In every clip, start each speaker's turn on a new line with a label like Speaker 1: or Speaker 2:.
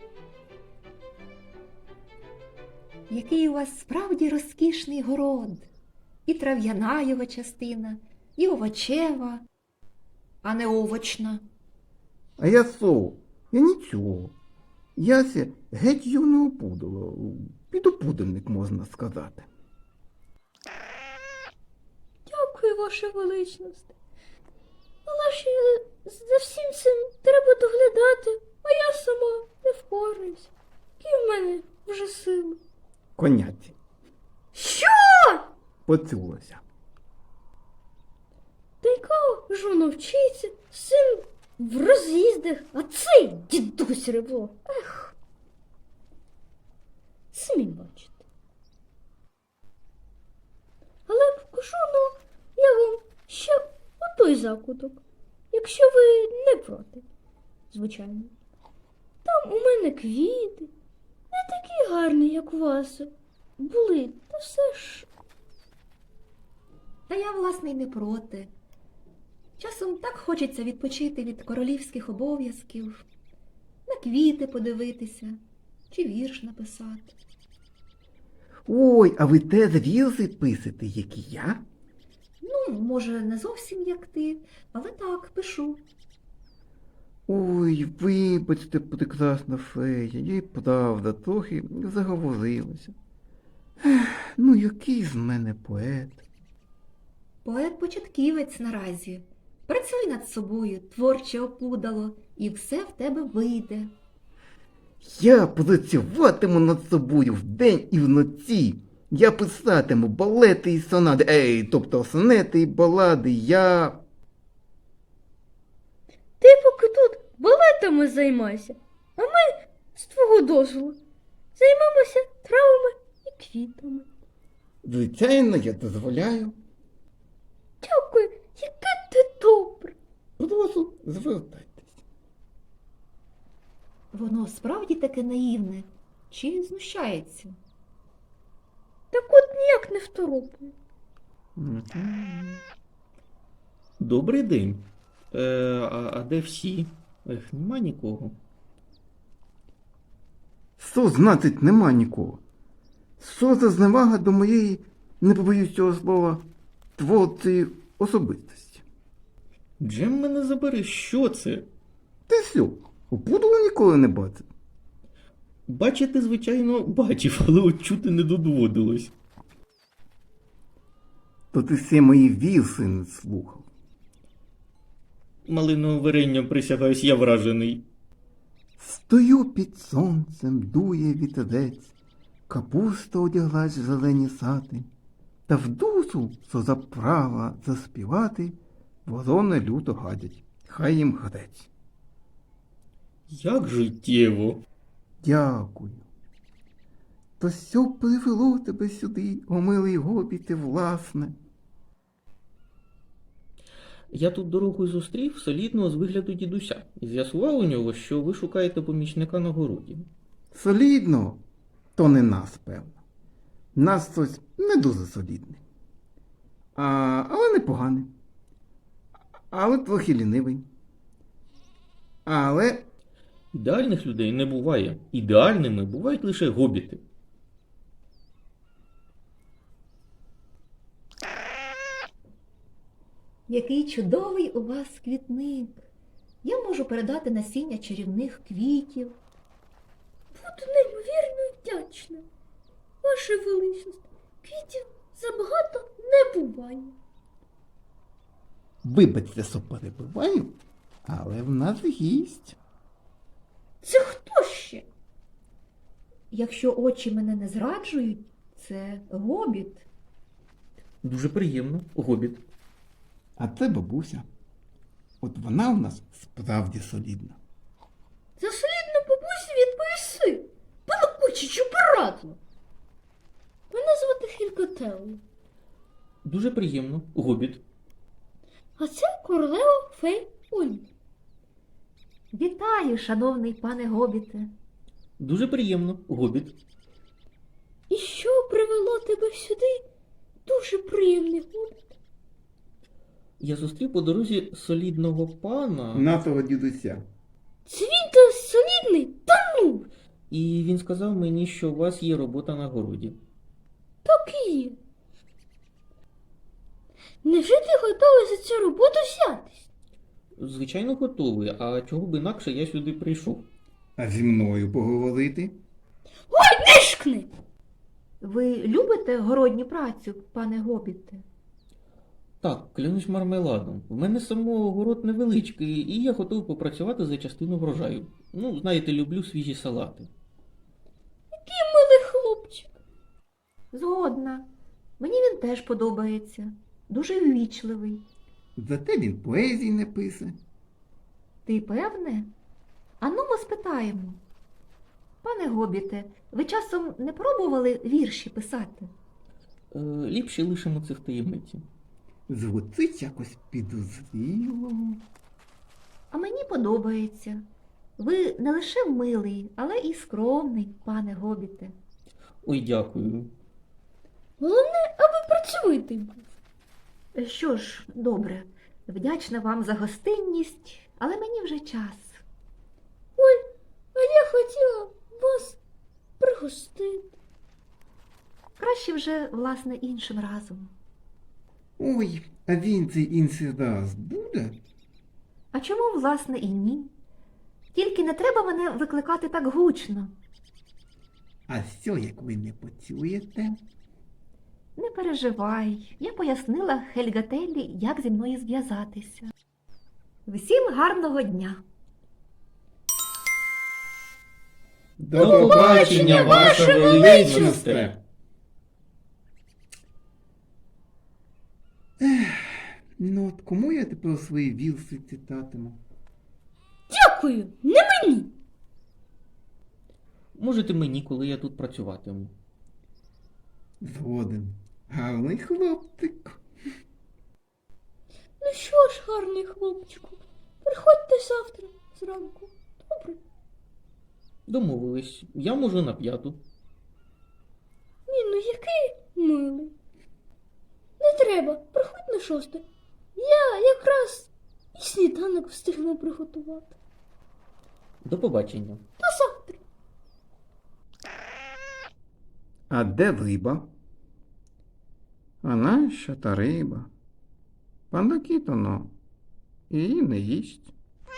Speaker 1: Який у вас справді розкішний город. І трав'яна його частина, і овочева, а не овочна.
Speaker 2: А я со, я нічого. Яся геть юного пудола, підопудельник, можна сказати.
Speaker 3: Дякую, ваша величність. Але ж за всім цим треба доглядати, а я сама не впораюсь. Які в мене вже сили.
Speaker 2: Коняці.
Speaker 3: Що?
Speaker 2: Поцюлася.
Speaker 3: Та яка ж воно вчиться, син в роз'їздах, а цей дідусь ревло. Ех. Самі бачите. Але покажу, ну, я вам ще отой закуток, якщо ви не проти, звичайно. Там у мене квіти, не такі гарні, як у вас були, та все ж.
Speaker 1: Та я, власне, й не проти. Часом так хочеться відпочити від королівських обов'язків, на квіти подивитися чи вірш написати.
Speaker 2: Ой, а ви теж вірси писите, як і я?
Speaker 1: Ну, може, не зовсім як ти, але так, пишу.
Speaker 2: Ой, вибачте, прекрасна фея, я й правда трохи заговорилася. Ех, ну який з мене поет.
Speaker 1: Поет-початківець наразі. Працюй над собою, творче опудало, і все в тебе вийде.
Speaker 2: Я працюватиму над собою вдень і вночі. Я писатиму балети і сонати, тобто сонети і балади, я...
Speaker 3: Ти поки тут балетами займайся, а ми, з твого дозволу, займемося травами і квітами.
Speaker 2: Звичайно, я дозволяю.
Speaker 3: Дякую, яке ти добре.
Speaker 2: Прошу, звертайтесь.
Speaker 1: Воно справді таке наївне чи знущається?
Speaker 3: Так от ніяк не второпаю.
Speaker 4: Добрий день. А де всі? Нема нікого.
Speaker 2: Що значить нема нікого? Що за зневага до моєї, не побоюсь цього слова, творчої особистості?
Speaker 4: Джем мене забери, що це?
Speaker 2: Ти що, опудало ніколи не бачив?
Speaker 4: Бачити, звичайно, бачив, але от чути не додводилось.
Speaker 2: То ти всі мої вірси не слухав.
Speaker 4: Малиновим варенням присягаюсь, я вражений.
Speaker 2: Стою під сонцем, дує вітерець, капуста одяглась в зелені сати, та в душу, що заправа заспівати, ворони люто гадять, хай їм грець.
Speaker 4: Як життєво.
Speaker 2: Дякую. То що привело тебе сюди, о милий гобіте, власне?
Speaker 4: Я тут дорогою зустрів солідного з вигляду дідуся і з'ясував у нього, що ви шукаєте помічника на городі.
Speaker 2: Солідно, то не нас, певно. Нас хтось не дуже солідний. Але непоганий. Але трохи лінивий. Але
Speaker 4: Ідеальних людей не буває. Ідеальними бувають лише гобіти.
Speaker 1: Який чудовий у вас квітник. Я можу передати насіння чарівних квітів.
Speaker 3: Буду неймовірно вдячна. Ваша величність, квітів забагато не буває.
Speaker 2: вибачте, що перебиваю, але в нас гість.
Speaker 3: Це хто ще?
Speaker 1: Якщо очі мене не зраджують, це гобіт.
Speaker 4: Дуже приємно, гобіт.
Speaker 2: А це бабуся. От вона у нас справді солідна.
Speaker 3: За солідну бабусі відповіси. Балакучичу порадло. Мене звати Хількотелло.
Speaker 4: Дуже приємно, гобіт.
Speaker 3: А це королева фей Олі.
Speaker 1: Вітаю, шановний пане гобіте.
Speaker 4: Дуже приємно, гобіт.
Speaker 3: І що привело тебе сюди? Дуже приємний гобіт.
Speaker 4: Я зустрів по дорозі солідного пана.
Speaker 2: Нашого дідуся.
Speaker 3: Це він то солідний? Та ну!
Speaker 4: І він сказав мені, що у вас є робота на городі.
Speaker 3: Так і є. Невже ти готовий за цю роботу взятись?
Speaker 4: Звичайно, готовий, а чого б інакше я сюди прийшов.
Speaker 2: А зі мною поговорити?
Speaker 3: Нишкни!
Speaker 1: Ви любите городню працю, пане Гобіте?
Speaker 4: Так, клянусь мармеладом. В мене самого город невеличкий, і я готовий попрацювати за частину врожаю. Ну, знаєте, люблю свіжі салати.
Speaker 3: Милий хлопчик.
Speaker 1: Згодна. Мені він теж подобається. Дуже ввічливий.
Speaker 2: Зате він поезії не пише.
Speaker 1: Ти певне? Ану, ми спитаємо. Пане Гобіте, ви часом не пробували вірші писати?
Speaker 4: Ліпше лишимо це в таємниці.
Speaker 2: Звучить якось підозріло.
Speaker 1: А мені подобається. Ви не лише милий, але і скромний, пане Гобіте.
Speaker 4: Ой, дякую.
Speaker 3: Головне, аби працьовитий був.
Speaker 1: Що ж, добре, вдячна вам за гостинність, але мені вже час.
Speaker 3: А я хотіла вас пригостити.
Speaker 1: Краще вже, власне, іншим разом.
Speaker 2: Ой, а він цей інший раз буде?
Speaker 1: А чому, власне, і ні? Тільки не треба мене викликати так гучно.
Speaker 2: А що, як ви не почуєте?
Speaker 1: Не переживай, я пояснила Хельгателлі, як зі мною зв'язатися. Всім гарного дня!
Speaker 2: До
Speaker 4: побачення, ваше величність!
Speaker 2: Ну от кому я тепер свої вірси читатиму?
Speaker 3: Дякую, не мені.
Speaker 4: Можете мені, коли я тут працюватиму.
Speaker 2: Згоден. Гарний хлопчик.
Speaker 3: Ну що ж, гарний хлопчику, приходьте завтра зранку. Добре?
Speaker 4: Домовились, я можу на 5.
Speaker 3: Ні, ну який милий. Не треба, приходь на 6. Я якраз і сніданок встигну приготувати.
Speaker 4: До побачення.
Speaker 3: До завтра.
Speaker 2: А де риба? А нащо та риба? Пан Кітоно її не їсть.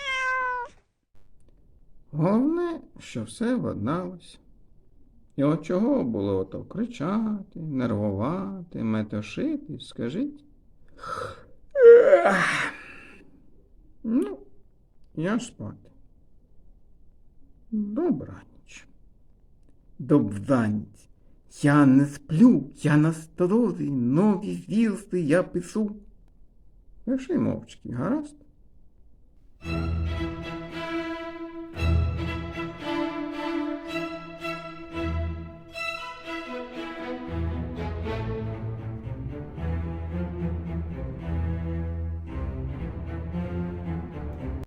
Speaker 2: Головне, що все владналося. І от чого було ото кричати, нервувати, метушити, скажіть? Ну, я спати. Добраніч. Добраніч. Я не сплю, я насторожий, нові вірси я пишу. Пиши мовчки, гаразд?